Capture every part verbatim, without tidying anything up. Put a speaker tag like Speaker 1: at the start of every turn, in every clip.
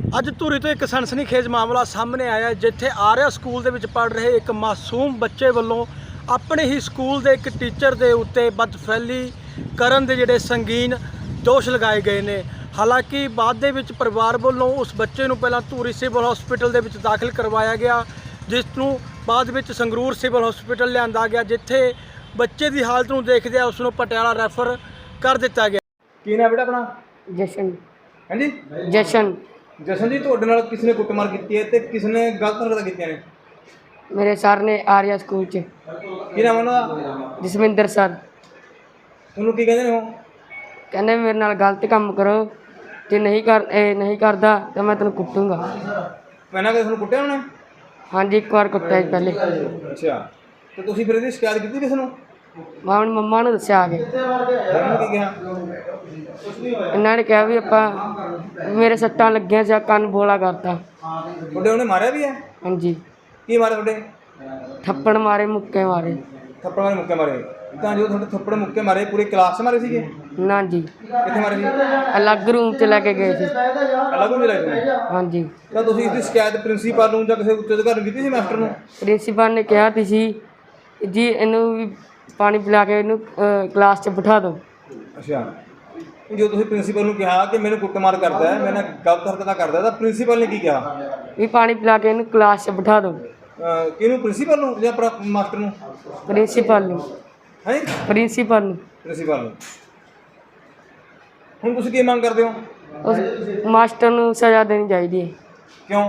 Speaker 1: ਅੱਜ ਧੂਰੀ ਤੋਂ ਇੱਕ ਸਨਸਨੀਖੇਜ਼ ਮਾਮਲਾ ਸਾਹਮਣੇ ਆਇਆ ਜਿੱਥੇ ਆਰਿਆ ਸਕੂਲ ਦੇ ਵਿੱਚ ਪੜ੍ਹ ਰਹੇ ਇੱਕ ਮਾਸੂਮ ਬੱਚੇ ਵੱਲੋਂ ਆਪਣੇ ਹੀ ਸਕੂਲ ਦੇ ਇੱਕ ਟੀਚਰ ਦੇ ਉੱਤੇ ਬਦਫੈਲੀ ਕਰਨ ਦੇ ਜਿਹੜੇ ਸੰਗੀਨ ਦੋਸ਼ ਲਗਾਏ ਗਏ ਨੇ। ਹਾਲਾਂਕਿ ਬਾਅਦ ਦੇ ਵਿੱਚ ਪਰਿਵਾਰ ਵੱਲੋਂ ਉਸ ਬੱਚੇ ਨੂੰ ਪਹਿਲਾਂ ਧੂਰੀ ਸਿਵਲ ਹਸਪੀਟਲ ਦੇ ਵਿੱਚ ਦਾਖਲ ਕਰਵਾਇਆ ਗਿਆ, ਜਿਸ ਨੂੰ ਬਾਅਦ ਵਿੱਚ ਸੰਗਰੂਰ ਸਿਵਲ ਹਸਪੀਟਲ ਲਿਆਂਦਾ ਗਿਆ, ਜਿੱਥੇ ਬੱਚੇ ਦੀ ਹਾਲਤ ਨੂੰ ਦੇਖਦੇ ਉਸ ਨੂੰ ਪਟਿਆਲਾ ਰੈਫਰ ਕਰ ਦਿੱਤਾ ਗਿਆ।
Speaker 2: ਕੀ ਨਾਮ ਬੇਟਾ ਆਪਣਾ?
Speaker 3: ਜਸ਼ਨ।
Speaker 2: ਹਾਂਜੀ
Speaker 3: ਜਸ਼ਨ।
Speaker 2: ਜਸ਼ਨ ਜੀ, ਤੁਹਾਡੇ ਨਾਲ ਕਿਸ ਨੇ ਕੁੱਟਮਾਰ ਕੀਤੀ ਹੈ ਤੇ ਕਿਸ ਨੇ ਗਲਤ ਹਰਕਤਾਂ ਕੀਤੀਆਂ ਨੇ?
Speaker 3: ਮੇਰੇ ਸਰ ਨੇ ਆਰਿਆ ਸਕੂਲ 'ਚ।
Speaker 2: ਕੀ ਨਾਮ ਉਹਨਾਂ ਦਾ?
Speaker 3: ਜਸਵਿੰਦਰ ਸਰ।
Speaker 2: ਉਹਨੂੰ ਕੀ ਕਹਿੰਦੇ ਨੇ ਉਹ?
Speaker 3: ਕਹਿੰਦੇ ਮੇਰੇ ਨਾਲ ਗਲਤ ਕੰਮ ਕਰੋ, ਜੇ ਨਹੀਂ ਕਰ ਇਹ ਨਹੀਂ ਕਰਦਾ ਤਾਂ ਮੈਂ ਤੈਨੂੰ ਕੁੱਟੂੰਗਾ।
Speaker 2: ਪਹਿਲਾਂ ਕਦੇ ਤੁਹਾਨੂੰ ਕੁੱਟਿਆ ਉਹਨੇ?
Speaker 3: ਹਾਂਜੀ, ਇੱਕ ਵਾਰ ਕੁੱਟਿਆ ਜੀ ਪਹਿਲੇ।
Speaker 2: ਅੱਛਾ, ਤੇ ਤੁਸੀਂ ਫਿਰ ਇਹਦੀ ਸ਼ਿਕਾਇਤ ਕੀਤੀ ਕਿਸ ਨੂੰ?
Speaker 3: ਮੈਂ ਆਪਣੀ ਮੰਮਾ ਨੂੰ ਦੱਸਿਆ ਆ ਕੇ।
Speaker 2: ਉਹਨਾਂ ਨੇ ਕੀ ਕਿਹਾ?
Speaker 3: ਇਹਨਾਂ ਨੇ ਕਿਹਾ ਵੀ ਆਪਾਂ ਮੇਰੇ ਸੱਟਾਂ ਲੱਗੀਆਂ ਜਾਂ ਕੰਨ ਬੋਲਾ ਕਰਤਾ।
Speaker 2: ਤੁਹਾਡੇ ਉਹਨੇ ਮਾਰਿਆ ਵੀ ਹੈ?
Speaker 3: ਹਾਂਜੀ,
Speaker 2: ਕੀ ਮਾਰਿਆ ਤੁਹਾਡੇ?
Speaker 3: ਥੱਪੜ ਮਾਰੇ, ਮੁੱਕੇ ਮਾਰੇ।
Speaker 2: ਥੱਪੜ ਮਾਰੇ, ਮੁੱਕੇ ਮਾਰੇ? ਤਾਂ ਜੋ ਤੁਹਾਡੇ ਥੱਪੜ ਮੁੱਕੇ ਮਾਰੇ ਪੂਰੀ ਕਲਾਸ 'ਚ ਮਾਰੇ ਸੀਗੇ?
Speaker 3: ਨਾ ਜੀ,
Speaker 2: ਕਿੱਥੇ ਮਾਰੇ ਸੀ?
Speaker 3: ਅਲੱਗ ਰੂਮ 'ਚ ਲੈ ਕੇ ਗਏ ਸੀ।
Speaker 2: ਅਲੱਗ ਨੂੰ ਲੈ ਕੇ?
Speaker 3: ਹਾਂਜੀ।
Speaker 2: ਤਾਂ ਤੁਸੀਂ ਇਸਦੀ ਸ਼ਿਕਾਇਤ ਪ੍ਰਿੰਸੀਪਲ ਨੂੰ ਜਾਂ ਕਿਸੇ ਉੱਚ ਅਧਿਕਾਰੀ ਨੂੰ ਕੀਤੀ ਸੀ, ਮਾਸਟਰ ਨੂੰ?
Speaker 3: ਪ੍ਰਿੰਸੀਪਲ ਨੇ ਕਿਹਾ ਤੀ ਸੀ ਜੀ ਇਹਨੂੰ ਵੀ ਪਾਣੀ ਪਿਲਾ ਕੇ ਇਹਨੂੰ ਕਲਾਸ 'ਚ ਬਿਠਾ ਦਿਓ।
Speaker 2: ਅੱਛਾ, ਜੋ ਤੁਸੀਂ ਪ੍ਰਿੰਸੀਪਲ ਨੂੰ ਕਿਹਾ ਕਿ ਮੈਨੂੰ ਕੁੱਟਮਾਰ ਕਰਦਾ ਹੈ, ਮੇਰੇ ਨਾਲ ਗਲਤ ਹਰਕਤਾਂ ਕਰਦਾ, ਤਾਂ ਪ੍ਰਿੰਸੀਪਲ ਨੇ ਕੀ ਕਿਹਾ?
Speaker 3: ਵੀ ਪਾਣੀ ਪਿਲਾ ਕੇ ਇਹਨੂੰ ਕਲਾਸ 'ਚ ਬਿਠਾ ਦਿਓ।
Speaker 2: ਅਹ ਕਿਹਨੂੰ, ਪ੍ਰਿੰਸੀਪਲ ਨੂੰ ਜਾਂ ਆਪਣਾ ਮਾਸਟਰ ਨੂੰ?
Speaker 3: ਪ੍ਰਿੰਸੀਪਲ ਨੂੰ।
Speaker 2: ਹੈ
Speaker 3: ਪ੍ਰਿੰਸੀਪਲ ਨੂੰ।
Speaker 2: ਪ੍ਰਿੰਸੀਪਲ ਨੂੰ। ਹੁਣ ਤੁਸੀਂ ਕੀ ਮੰਗ ਕਰਦੇ ਹੋ?
Speaker 3: ਉਸ ਮਾਸਟਰ ਨੂੰ ਸਜ਼ਾ ਦੇਣੀ ਚਾਹੀਦੀ ਹੈ।
Speaker 2: ਕਿਉਂ?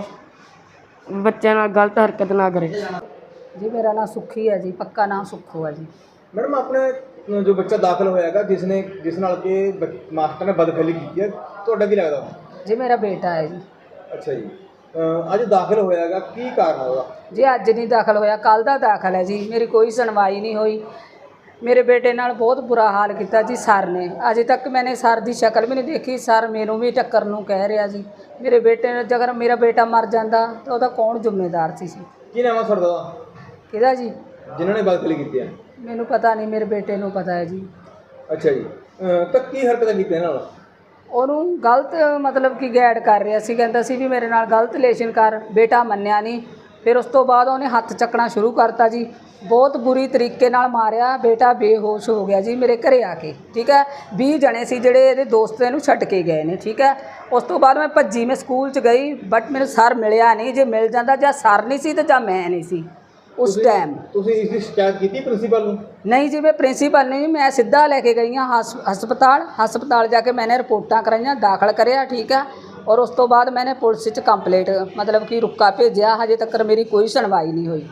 Speaker 3: ਬੱਚਿਆਂ ਨਾਲ ਗਲਤ ਹਰਕਤ ਨਾ ਕਰੇ।
Speaker 4: जी मेरा नाम सुखी है जी, पक्का नाम सुखू है जी।
Speaker 2: मैडम, अपने जो बच्चा दाखिल होएगा जिसने जिस नाल के मास्टर ने बदफैली की है, ਤੁਹਾਡਾ ਕੀ ਲੱਗਦਾ?
Speaker 4: जी मेरा बेटा है जी।
Speaker 2: ਅੱਛਾ ਜੀ, ਅੱਜ ਦਾਖਲ ਹੋਇਆਗਾ, ਕੀ ਕਾਰਨ ਹੈ ਉਹਦਾ?
Speaker 4: जी अज नहीं दाखिल होया, कल का दाखिल है जी। मेरी कोई सुनवाई नहीं हुई। मेरे बेटे नाल बहुत बुरा हाल किया जी सर ने। अजे तक मैंने सर की शक्ल भी नहीं देखी। सर मैनू भी टक्कर नूं कह रहा जी। मेरे बेटे ने, अगर मेरा बेटा मर जाता तो ਉਹਦਾ कौन जिम्मेदार सी सी?
Speaker 2: ਕੀ ਨਾਮ ਹੈ ਸਰ ਦਾ
Speaker 4: किहदा जी?
Speaker 2: ਜਿਨ੍ਹਾਂ ਨੇ ਬਦਫੈਲੀ ਕੀਤੀ ਹੈ?
Speaker 4: मैनू पता नहीं, मेरे बेटे नूं पता है जी।
Speaker 2: ਅੱਛਾ ਜੀ, ਤਾਂ ਕੀ ਹਰਕਤਾਂ ਕੀਤੀਆਂ ਨਾਲ?
Speaker 4: ਉਹਨੂੰ ਗਲਤ ਮਤਲਬ ਕਿ ਗਾਈਡ ਕਰ ਰਿਹਾ ਸੀ, ਕਹਿੰਦਾ ਸੀ ਵੀ ਮੇਰੇ ਨਾਲ ਗਲਤ ਰਿਲੇਸ਼ਨ ਕਰ। ਬੇਟਾ ਮੰਨਿਆ ਨਹੀਂ। ਫਿਰ ਉਸ ਤੋਂ ਬਾਅਦ ਉਹਨੇ ਹੱਥ ਚੱਕਣਾ ਸ਼ੁਰੂ ਕਰਤਾ ਜੀ। ਬਹੁਤ ਬੁਰੀ ਤਰੀਕੇ ਨਾਲ ਮਾਰਿਆ। ਬੇਟਾ ਬੇਹੋਸ਼ ਹੋ ਗਿਆ ਜੀ ਮੇਰੇ ਘਰੇ ਆ ਕੇ। ਠੀਕ ਹੈ, ਵੀਹ ਜਣੇ ਸੀ ਜਿਹੜੇ ਇਹਦੇ ਦੋਸਤ ਇਹਨੂੰ ਛੱਡ ਕੇ ਗਏ ਨੇ। ਠੀਕ ਹੈ, ਉਸ ਤੋਂ ਬਾਅਦ ਮੈਂ ਭੱਜੀ, ਮੈਂ ਸਕੂਲ 'ਚ ਗਈ, ਬਟ ਮੈਨੂੰ ਸਰ ਮਿਲਿਆ ਨਹੀਂ। ਜੇ ਮਿਲ ਜਾਂਦਾ, ਜਾਂ ਸਰ ਨਹੀਂ ਸੀ ਤੇ ਜਾਂ ਮੈਂ ਨਹੀਂ ਸੀ उस टाइम।
Speaker 2: ਤੁਸੀਂ ਇਸ ਦੀ ਸ਼ਿਕਾਇਤ ਕੀਤੀ ਪ੍ਰਿੰਸੀਪਲ ਨੂੰ?
Speaker 4: नहीं जी, मैं प्रिंसीपल नहीं, मैं सीधा लैके गई हाँ हस हस्पताल। हस्पताल जाके मैंने रिपोर्टां कराइया, दाखिल करिया। ठीक है, और उस तो बाद मैंने पुलिस च कंप्लेंट मतलब कि रुका भेजा। हजे तक मेरी कोई सुनवाई नहीं हुई।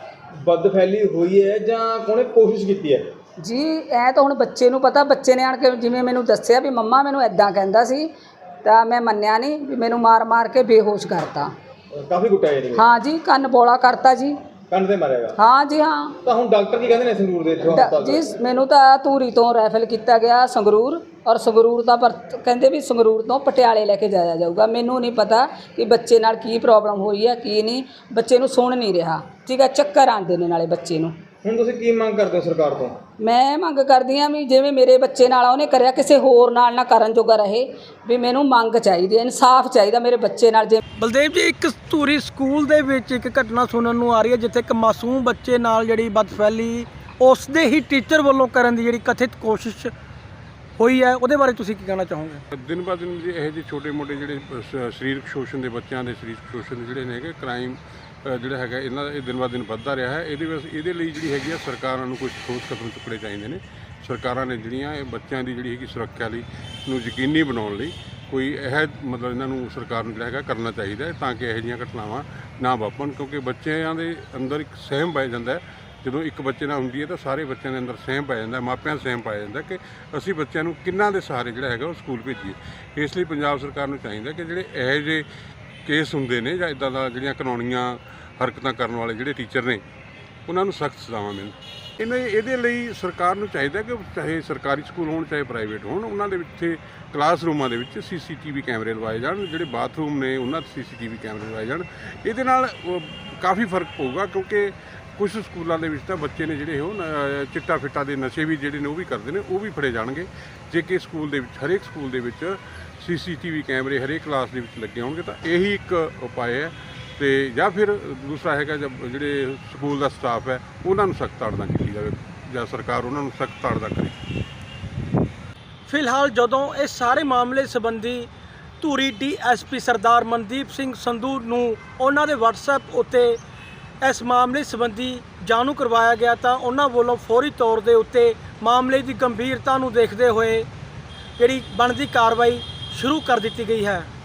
Speaker 2: ਬਦਫੈਲੀ ਹੋਈ ਹੈ ਜਾਂ ਕੋਨੇ ਕੋਸ਼ਿਸ਼ ਕੀਤੀ ਹੈ?
Speaker 4: जी ऐ तो हुण बच्चे नूं पता। बच्चे ने आण के जिवें मैनूं दस्सिया भी मम्मा मैनूं इदां कहंदा सी, तां मैं मन्निया नहीं भी मैनूं मार मार के बेहोश करता।
Speaker 2: ਕਾਫੀ ਕੁੱਟਿਆ ਜੀ?
Speaker 4: हाँ जी, कन्न बौला करता जी।
Speaker 2: ਕੰਨ ਤੇ ਮਾਰਿਆਗਾ?
Speaker 4: हाँ जी हाँ।
Speaker 2: ਤਾਂ ਹੁਣ ਡਾਕਟਰ ਕੀ ਕਹਿੰਦੇ ਨੇ ਸੰਗਰੂਰ ਦੇ ਇੱਥੋਂ ਹਸਪਤਾਲ
Speaker 4: जी मैनू तो धूरी तो रैफल किया गया संगरूर, और संगरूर का पर कहते भी संगरूर तो पटियाले लैके जाया जाऊगा। मैनू नहीं पता कि बच्चे नाल की प्रॉब्लम हुई है की नहीं। बच्चे नू सुन नहीं रहा। ठीक है, चक्कर आते ने नाले बच्चे नू।
Speaker 2: ਹੁਣ ਤੁਸੀਂ ਕੀ ਮੰਗ ਕਰਦੇ ਹੋ ਸਰਕਾਰ ਤੋਂ?
Speaker 4: मैं मंग करदी हाँ भी जिवें मेरे बच्चे नाल उहने करिया किसी होर नाल ना करन जोगा रहे। भी मैनू मंग चाहिदी, इंसाफ चाहिदा मेरे बच्चे नाल। जे
Speaker 1: ਬਲਦੇਵ ਜੀ, ਇੱਕ ਧੂਰੀ ਸਕੂਲ ਦੇ ਵਿੱਚ ਇੱਕ ਘਟਨਾ ਸੁਣਨ ਨੂੰ ਆ ਰਹੀ ਹੈ ਜਿੱਥੇ ਇੱਕ ਮਾਸੂਮ ਬੱਚੇ ਨਾਲ ਜਿਹੜੀ ਬਦਫੈਲੀ ਉਸ ਦੇ ਹੀ ਟੀਚਰ ਵੱਲੋਂ ਕਰਨ ਦੀ ਜਿਹੜੀ ਕਥਿਤ ਕੋਸ਼ਿਸ਼ ਹੋਈ ਹੈ, ਉਹਦੇ ਬਾਰੇ ਤੁਸੀਂ ਕੀ ਕਹਿਣਾ ਚਾਹੋਗੇ?
Speaker 5: ਦਿਨ ਬਾ ਦਿਨ ਜੀ ਇਹੋ ਜਿਹੇ ਛੋਟੇ ਮੋਟੇ ਜਿਹੜੇ ਸ- ਸਰੀਰਕ ਸ਼ੋਸ਼ਣ ਦੇ, ਬੱਚਿਆਂ ਦੇ ਸਰੀਰਕ ਸ਼ੋਸ਼ਣ ਦੇ ਜਿਹੜੇ ਨੇ ਹੈਗੇ ਕ੍ਰਾਈਮ ਜਿਹੜਾ ਹੈਗਾ ਇਹਨਾਂ ਦਾ ਇਹ ਦਿਨ ਬਾ ਦਿਨ ਵੱਧਦਾ ਰਿਹਾ ਹੈ। ਇਹਦੇ ਵਿੱਚ ਇਹਦੇ ਲਈ ਜਿਹੜੀ ਹੈਗੀ ਆ ਸਰਕਾਰਾਂ ਨੂੰ ਕੁਝ ਠੋਸ ਕਦਮ ਚੁੱਕਣੇ ਚਾਹੀਦੇ ਨੇ। ਸਰਕਾਰਾਂ ਨੇ ਜਿਹੜੀਆਂ ਇਹ ਬੱਚਿਆਂ ਦੀ ਜਿਹੜੀ ਹੈਗੀ ਸੁਰੱਖਿਆ ਲਈ ਨੂੰ ਯਕੀਨੀ ਬਣਾਉਣ ਲਈ ਕੋਈ ਇਹ ਮਤਲਬ ਇਹਨਾਂ ਨੂੰ ਸਰਕਾਰ ਨੂੰ ਜਿਹੜਾ ਹੈਗਾ ਕਰਨਾ ਚਾਹੀਦਾ ਹੈ ਤਾਂ ਕਿ ਇਹੋ ਜਿਹੀਆਂ ਘਟਨਾਵਾਂ ਨਾ ਵਾਪਰਨ। ਕਿਉਂਕਿ ਬੱਚਿਆਂ ਦੇ ਅੰਦਰ ਇੱਕ ਸਹਿਮ ਪੈ ਜਾਂਦਾ ਹੈ। ਜਦੋਂ ਇੱਕ ਬੱਚੇ ਨਾਲ ਹੁੰਦੀ ਹੈ ਤਾਂ ਸਾਰੇ ਬੱਚਿਆਂ ਦੇ ਅੰਦਰ ਸਹਿਮ ਪੈ ਜਾਂਦਾ, ਮਾਪਿਆਂ ਦਾ ਸਹਿਮ ਪਾਇਆ ਜਾਂਦਾ ਕਿ ਅਸੀਂ ਬੱਚਿਆਂ ਨੂੰ ਕਿੰਨਾਂ ਦੇ ਸਹਾਰੇ ਜਿਹੜਾ ਹੈਗਾ ਉਹ ਸਕੂਲ ਭੇਜੀਏ। ਇਸ ਲਈ ਪੰਜਾਬ ਸਰਕਾਰ ਨੂੰ ਚਾਹੀਦਾ ਕਿ ਜਿਹੜੇ ਇਹੋ ਜਿਹੇ ਕੇਸ ਹੁੰਦੇ ਨੇ ਜਾਂ ਇੱਦਾਂ ਦਾ ਜਿਹੜੀਆਂ ਕਾਨੂੰਨੀਆਂ ਹਰਕਤਾਂ ਕਰਨ ਵਾਲੇ ਜਿਹੜੇ ਟੀਚਰ ਨੇ ਉਹਨਾਂ ਨੂੰ ਸਖਤ ਸਜ਼ਾਵਾਂ ਮਿਲਣ। ਇਹਨਾਂ ਇਹਦੇ ਲਈ ਸਰਕਾਰ ਨੂੰ ਚਾਹੀਦਾ ਕਿ ਚਾਹੇ ਸਰਕਾਰੀ ਸਕੂਲ ਹੋਣ ਚਾਹੇ ਪ੍ਰਾਈਵੇਟ ਹੋਣ, ਉਹਨਾਂ ਦੇ ਵਿੱਚ ਕਲਾਸਰੂਮਾਂ ਦੇ ਵਿੱਚ ਸੀ ਸੀ ਟੀ ਵੀ ਕੈਮਰੇ ਲਵਾਏ ਜਾਣ। ਜਿਹੜੇ ਬਾਥਰੂਮ ਨੇ ਉਹਨਾਂ 'ਤੇ ਸੀ ਸੀ ਟੀ ਵੀ ਕੈਮਰੇ ਲਵਾਏ ਜਾਣ। ਇਹਦੇ ਨਾਲ ਕਾਫੀ ਫਰਕ ਪਊਗਾ ਕਿਉਂਕਿ ਕੁਝ ਸਕੂਲਾਂ ਦੇ ਵਿੱਚ ਤਾਂ ਬੱਚੇ ਨੇ ਜਿਹੜੇ ਉਹ ਨ- ਚਿੱਟਾ ਫਿੱਟਾ ਦੇ ਨਸ਼ੇ ਵੀ ਜਿਹੜੇ ਨੇ ਉਹ ਵੀ ਕਰਦੇ ਨੇ, ਉਹ ਵੀ ਫੜੇ ਜਾਣਗੇ ਜੇ ਕਿ ਸਕੂਲ ਦੇ ਵਿੱਚ ਹਰੇਕ ਸਕੂਲ ਦੇ ਵਿੱਚ ਸੀ ਸੀ ਟੀ ਵੀ ਕੈਮਰੇ ਹਰੇਕ ਕਲਾਸ ਦੇ ਵਿੱਚ ਲੱਗੇ ਹੋਣਗੇ। ਤਾਂ ਇਹੀ ਇੱਕ ਉਪਾਅ ਹੈ। ਤੇ ਜਾਂ ਫਿਰ ਦੂਸਰਾ ਹੈਗਾ ਜਦ ਜਿਹੜੇ ਸਕੂਲ ਦਾ ਸਟਾਫ ਹੈ ਉਹਨਾਂ ਨੂੰ ਸਖਤ ਤਾੜਨਾ ਕੀਤੀ ਜਾਵੇ ਜਾਂ ਸਰਕਾਰ ਉਹਨਾਂ ਨੂੰ ਸਖਤ ਤਾੜਨਾ ਕਰੇ।
Speaker 1: ਫਿਲਹਾਲ ਜਦੋਂ ਇਸ ਸਾਰੇ ਮਾਮਲੇ ਸੰਬੰਧੀ Dhuri D S P Sardar Mandeep Singh Sandhu ਨੂੰ ਉਹਨਾਂ ਦੇ WhatsApp ਉੱਤੇ ਇਸ ਮਾਮਲੇ ਸੰਬੰਧੀ ਜਾਣੂ ਕਰਵਾਇਆ ਗਿਆ ਤਾਂ ਉਹਨਾਂ ਵੱਲੋਂ ਫੌਰੀ ਤੌਰ ਦੇ ਉੱਤੇ ਮਾਮਲੇ ਦੀ ਗੰਭੀਰਤਾ ਨੂੰ ਦੇਖਦੇ ਹੋਏ ਜਿਹੜੀ ਬਣਦੀ ਕਾਰਵਾਈ ਸ਼ੁਰੂ ਕਰ ਦਿੱਤੀ ਗਈ ਹੈ।